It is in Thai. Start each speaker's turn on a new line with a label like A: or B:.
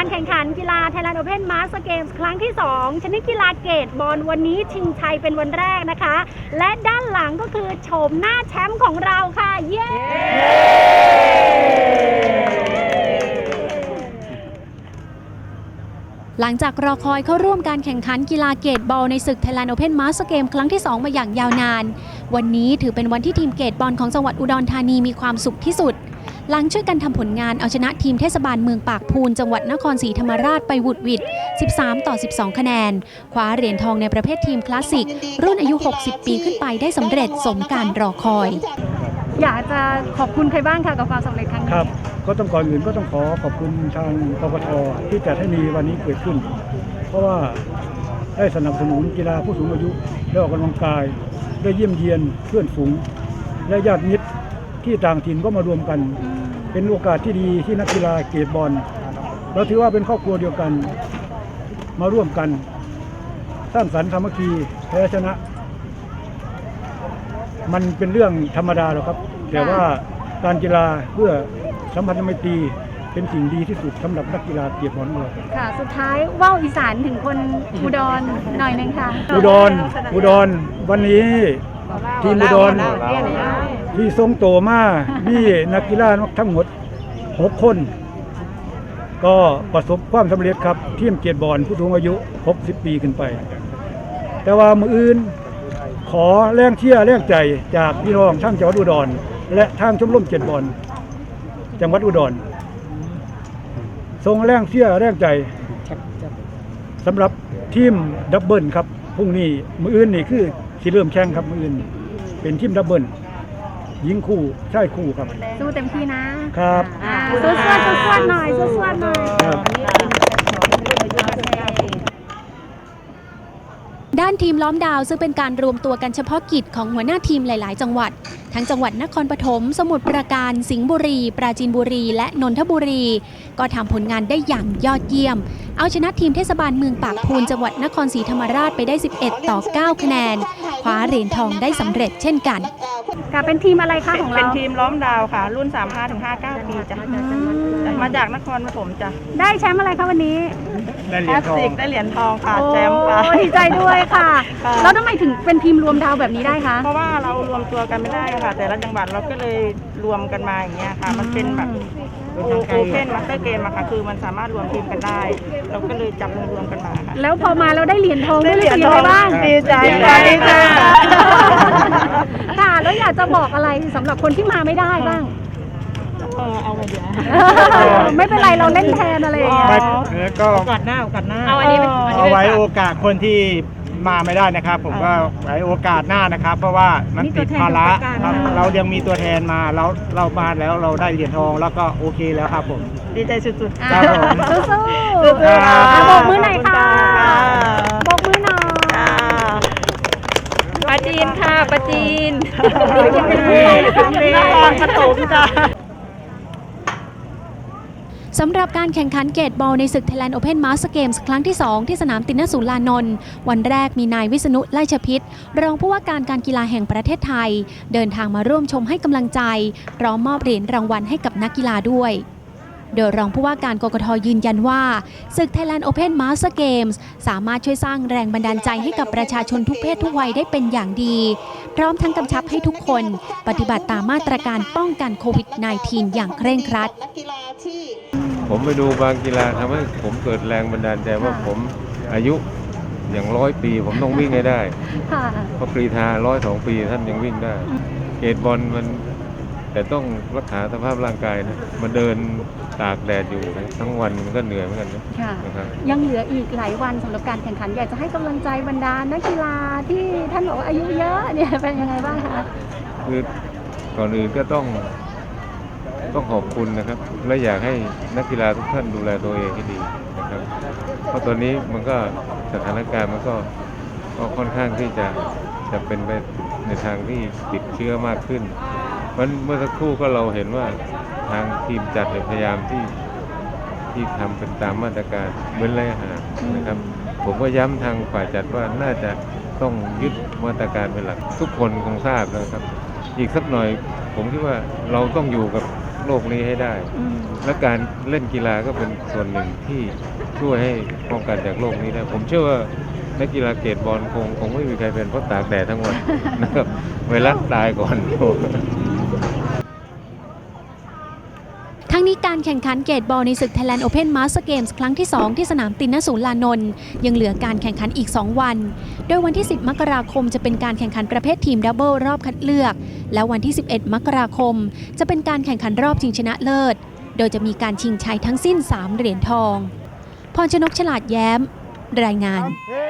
A: การแข่งขันกีฬา Thailand Open Master Games ครั้งที่ 2 ชนิดกีฬาเกตบอลวันนี้ชิงชัยเป็นวันแรกนะคะ และด้านหลังก็คือโฉมหน้าแชมป์ของเราค่ะ เย้ หลังจากรอคอยเข้าร่วมการแข่งขันกีฬาเกตบอลในศึก Thailand Open Master Games ครั้งที่ 2 มาอย่างยาวนานวันนี้ถือเป็นวันที่ทีมเกตบอลของจังหวัดอุดรธานีมีความสุขที่สุดหลังช่วยกันทำผลงานเอาชนะทีมเทศบาลเมืองปากพูนจังหวัดนครศรีธรรมราชไปหวุดหวิด13-12 คะแนนคว้าเหรียญทองในประเภททีมคลาสสิกรุ่นอายุ 60 ปีขึ้นไปได้สำเร็จสมการรอคอยอยากจะขอบคุณใครบ้างคะกับความสำเร็จครั้งนี้
B: ครับก็ต้องก่อนอื่นก็ต้องขอบคุณทางกกท.ที่จัดให้มีวันนี้เกิดขึ้นเพราะว่าได้สนับสนุนกีฬาผู้สูงอายุได้ออกกำลังกายได้เยี่ยมเยียนเพื่อนฝูงและญาติมิตรที่ต่างถิ่นก็มารวมกันเป็นโอกาสที่ดีที่นักกีฬาเกตบอลเราถือว่าเป็นครอบครัวเดียวกันมาร่วมกันสร้างสรรค์สามัคคีแพ้ชนะมันเป็นเรื่องธรรมดาหรอกครับแต่ว่าการกีฬาเพื่อสัมพันธไมตรีเป็นสิ่งดีที่สุดสำหรับนักกีฬาเกตบอลเรา
A: ค่ะสุดท้ายว่าวอีสานถึงคนอุดรหน่อยนึงค่ะ
B: อุดรวันนี้ทีมอุดรที่ทรงโตมามีนักกีฬาทั้งหมด6 คนก็ประสบความสำเร็จครับทีมเกตบอลผู้สูงอายุ60 ปีขึ้นไปแต่ว่ามืออื่นขอแรงเชียร์แรงใจจากพี่น้องทั้งจังหวัดอุดรและทางชมรมเกตบอลจังหวัดอุดรส่งแรงเชียร์แรงใจสำหรับทีมดับเบิลครับพรุ่งนี้มืออื่นนี่คือสิเริ่มแข่งครับมืออื่นเป็นทีมดับเบิลหญิงคู่ชายคู่ครับ
A: สู้เต็มที่นะครับสู้หน่อยด้านทีมล้อมดาวซึ่งเป็นการรวมตัวกันเฉพาะกิจของหัวหน้าทีมหลายๆจังหวัดทั้งจังหวัดนครปฐมสมุทรปราการสิงห์บุรีปราจีนบุรีและนนทบุรีก็ทำผลงานได้อย่างยอดเยี่ยมเอาชนะทีมเทศบาลเมืองปากพูนจังหวัดนครศรีธรรมราชไปได้11-9 คะแนนคว้าเหรียญทองได้สำเร็จเช่นกันเป็นทีมอะไรคะของเรา
C: เป็นทีมล้อมดาวค่ะรุ่น 35-59 ปีจ้ะมาจากนครปฐมจ้ะ
A: ได้แชมป์อะไรคะวันนี้
C: ได้เหรียญทองค่ะแชมป์ค่ะ
A: ดีใจด้วยค่ะแล้วทำไมถึงเป็นทีมรวมดาวแบบนี้ได้คะ
C: เพราะว่าเรารวมตัวกันไม่ได้ค่ะแต่ละจังหวัดเราก็เลยรวมกันมาอย่างเงี้ยค่ะมันเป็นแบบโอเพนมาสเตอร์เกมอะค่ะคือมันสามารถรวมทีมกันได้เราก็เลยจับรวมกันมาค่ะ
A: แล้วพอมาเราได้เหรียญทองได้เหรียญทองบ้าง
C: ดีใจ
A: ค่ะแล้วอยากจะบอกอะไรสำหรับคนที่มาไม่ได้บ้าง
C: เอาไปเดี๋ยว
A: ไม่เป็นไรเราเล่นแทนอะไรอย่างเงี้ย
C: ก็โอกาสหน้า
D: เอาไว้โอกาสคนที่มาไม่ได้นะครับผมก็ไว้โอกาสหน้านะครับเพราะว่ามันติดภาระเรายังมีตัวแทนมาเรามาแล้วเราได้เหรียญทองแล้วก็โอเคแล้วครับผม
C: ดีใจสุด
D: ๆครับผม
A: สู้ๆบอกมือหน่อยค่ะบอกมือหน่อย
C: ปาจีนค่ะปาจีน
A: นครปฐมจ้ะสำหรับการแข่งขันเกตบอลในศึก Thailand Open Master Games ครั้งที่ 2 ที่สนามตินสุรานนท์วันแรกมีนายวิษณุ ไล่ชพิตรองผู้ว่าการการกีฬาแห่งประเทศไทยเดินทางมาร่วมชมให้กำลังใจพร้อมมอบเหรียญรางวัลให้กับนักกีฬาด้วยโดยรองผู้ว่าการกกท.ยืนยันว่าศึก Thailand Open Master Games สามารถช่วยสร้างแรงบันดาลใจให้กับประชาชนทุกเพศทุกวัยได้เป็นอย่างดีพร้อมทั้งกำชับให้ทุกคนปฏิบัติตามมาตรการป้องกันโควิด -19 อย่างเคร่งครัด
E: ผมไปดูบางกีฬาทำให้ผมเกิดแรงบันดาลใจว่าผมอายุอย่าง100 ปีผมต้องวิ่งให้ได้เพราะกรีฑา102 ปีท่านยังวิ่งได้เกตบอลมันแต่ต้องรักษาสภาพร่างกายนะมาเดินตากแดดอยู่ทั้งวันมันก็เหนื่อยเหมือนกัน
A: นะครับยังเหลืออีกหลายวันสำหรับการแข่งขันอยากจะให้กำลังใจบรรดานักกีฬาที่ท่านบอกว่าอายุเยอะเนี่ยเป็นยังไงบ้างคะ
E: คือก่อนอื่นก็ต้องขอบคุณนะครับและอยากให้นักกีฬาทุกท่านดูแลตัวเองให้ดีนะครับเพราะตอนนี้มันก็สถานการณ์มันก็ค่อนข้างที่จะเป็นไปในทางที่ติดเชื้อมากขึ้นเพราะเมื่อสักครู่ก็เราเห็นว่าทางทีมจัดพยายามที่ทำเป็นตามมาตรการเว้นระยะห่างนะครับผมก็ย้ำทางฝ่ายจัดว่าน่าจะต้องยึดมาตรการเป็นหลักทุกคนคงทราบแล้วครับอีกสักหน่อยผมคิดว่าเราต้องอยู่กับโลกนี้ให้ได้ และการเล่นกีฬาก็เป็นส่วนหนึ่งที่ช่วยให้ป้องกันจากโรคนี้ได้ผมเชื่อว่านักกีฬาเกตบอลคงไม่มีใครเป็นเพราะตากแดดทั้งวัน นะครับไวรัสตายก่อน
A: ทั้งนี้การแข่งขันเกตบอลในศึก Thailand Open Master Games ครั้งที่ 2 ที่สนามตินนศูนย์ลานนท์ยังเหลือการแข่งขันอีก 2 วัน โดยวันที่ 10 มกราคมจะเป็นการแข่งขันประเภททีมดับเบิลรอบคัดเลือก และวันที่ 11 มกราคมจะเป็นการแข่งขันรอบชิงชนะเลิศ โดยจะมีการชิงชัยทั้งสิ้น 3 เหรียญทอง พรชนก ฉลาดแย้ม รายงาน
D: เฮ้